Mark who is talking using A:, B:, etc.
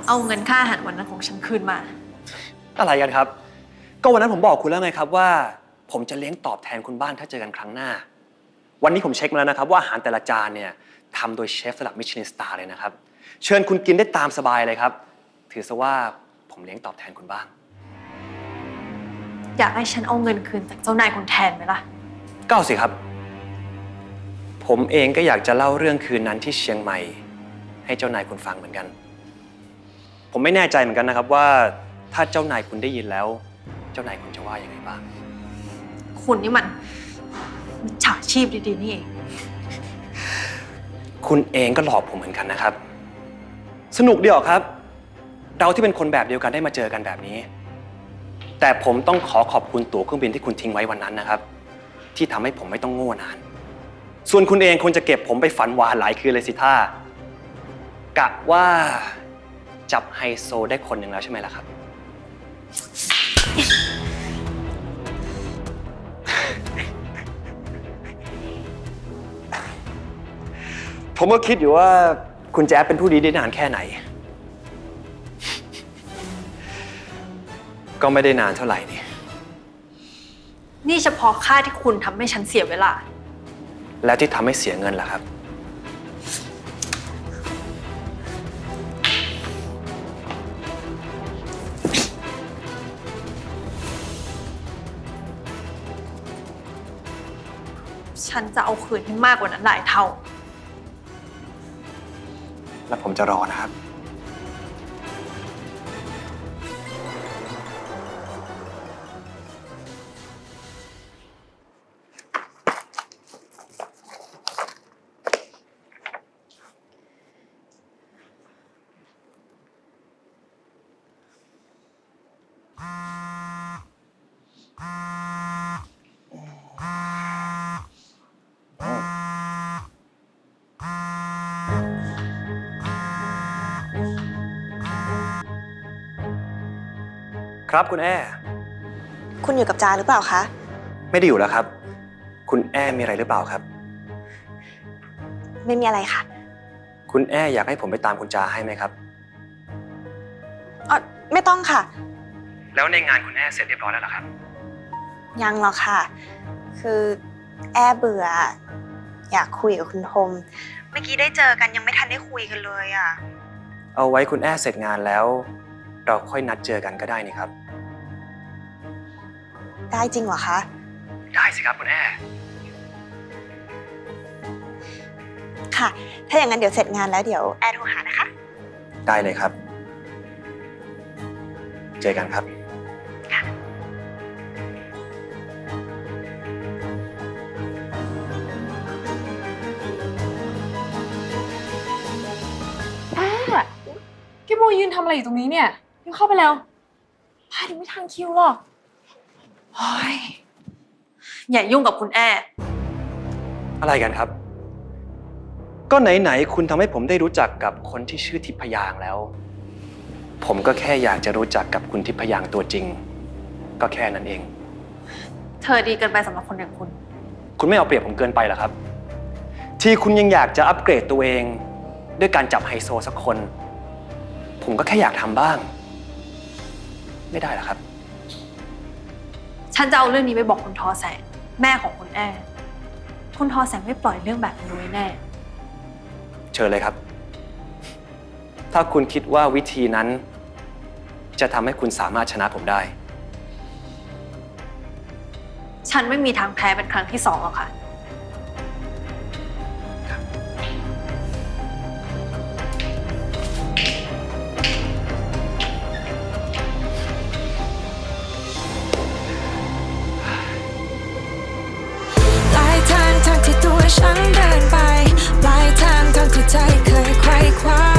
A: เอาเงินค่าอาหารวันนั้นของฉันคืนมา
B: อะไรกันครับก็วันนั้นผมบอกคุณแล้วไงครับว่าผมจะเลี้ยงตอบแทนคุณบ้างถ้าเจอกันครั้งหน้าวันนี้ผมเช็คมาแล้วนะครับว่าอาหารแต่ละจานเนี่ยทำโดยเชฟระดับมิชลินสตาร์เลยนะครับเชิญคุณกินได้ตามสบายเลยครับถือซะว่าผมเลี้ยงตอบแทนคุณบ้าง
A: อยากให้ฉันเอาเงินคืนจากเจ้านายคุณแทนไหมล่ะ
B: ก็เอาสิครับผมเองก็อยากจะเล่าเรื่องคืนนั้นที่เชียงใหม่ให้เจ้านายคุณฟังเหมือนกันผมไม่แน่ใจเหมือนกันนะครับว่าถ้าเจ้านายคุณได้ยินแล้วเจ้านายคุณจะว่ายังไงบ้าง
A: คุณนี่มันมิจฉาชีพดีๆนี่เอง
B: คุณเองก็หลอกผมเหมือนกันนะครับสนุกดีออกครับเราที่เป็นคนแบบเดียวกันได้มาเจอกันแบบนี้แต่ผมต้องขอบคุณตั๋วเครื่องบินที่คุณทิ้งไว้วันนั้นนะครับที่ทำให้ผมไม่ต้องโง่นานส่วนคุณเองคงจะเก็บผมไปฝันหวานหลายคืนเลยสิท่ากะว่าจับไฮโซได้คนหนึ่งแล้วใช่ไหมล่ะครับผมก็คิดอยู่ว่าคุณแจ๊บเป็นผู้ดีได้นานแค่ไหนก็ไม่ได้นานเท่าไหร่
A: นี่เฉพาะค่าที่คุณทำให้ฉันเสียเวลา
B: แล้วที่ทำให้เสียเงินล่ะครับ
A: ฉันจะเอาคืนให้มากกว่านั้นหลายเท่า
B: แล้วผมจะรอนะครับครับคุณแอ้
C: คุณอยู่กับจาหรือเปล่าคะ
B: ไม่ได้อยู่แล้วครับคุณแอ้มีอะไรหรือเปล่าครับ
C: ไม่มีอะไรค่ะ
B: คุณแอ้อยากให้ผมไปตามคุณจาให้ไหมครับ
C: ไม่ต้องค่ะ
B: แล้วในงานคุณแอ้เสร็จเรียบร้อยแล้วเหรอครับ
C: ยังหรอกค่ะคือแอเบื่ออยากคุยกับคุณธมเมื่อกี้ได้เจอกันยังไม่ทันได้คุยกันเลยอ่ะ
B: เอาไว้คุณแอ้เสร็จงานแล้วเราค่อยนัดเจอกันก็ได้นี่ครับ
C: ได้จริงเหรอคะ
B: ได้สิครับคุณแอ้
C: ค่ะถ้าอย่างนั้นเดี๋ยวเสร็จงานแล้วเดี๋ยวแอร์โทรหานะคะ
B: ได้เลยครับเจอกันครับ
C: ค่ะ
D: พี่โมยืนทำอะไรอยู่ตรงนี้เนี่ยยังเข้าไปแล้วพาถึงไม่ทันคิวหรอก
A: โอ้ยอย่ายุ่งกับคุณแอ้
B: อะไรกันครับก็ไหนๆคุณทำให้ผมได้รู้จักกับคนที่ชื่อทิพยางแล้วผมก็แค่อยากจะรู้จักกับคุณทิพยางตัวจริงก็แค่นั้นเอง
A: เธอดีเกินไปสำหรับคนอย่าง
B: คุณไม่เอาเปรียบผมเกินไปเหรอครับที่คุณยังอยากจะอัปเกรดตัวเองด้วยการจับไฮโซสักคนผมก็แค่อยากทำบ้างไม่ได้หรอครับ
A: ฉันจะเอาเรื่องนี้ไปบอกคุณทอแสงแม่ของคุณแอ้คุณทอแสงไม่ปล่อยเรื่องแบบนี้ไว้แน่
B: เชิญเลยครับถ้าคุณคิดว่าวิธีนั้นจะทำให้คุณสามารถชนะผมได้
A: ฉันไม่มีทางแพ้เป็นครั้งที่2หรอกค่ะ
E: ที่ตัวฉันเดินไปปลายทางที่ใจเคยไขว่คว้า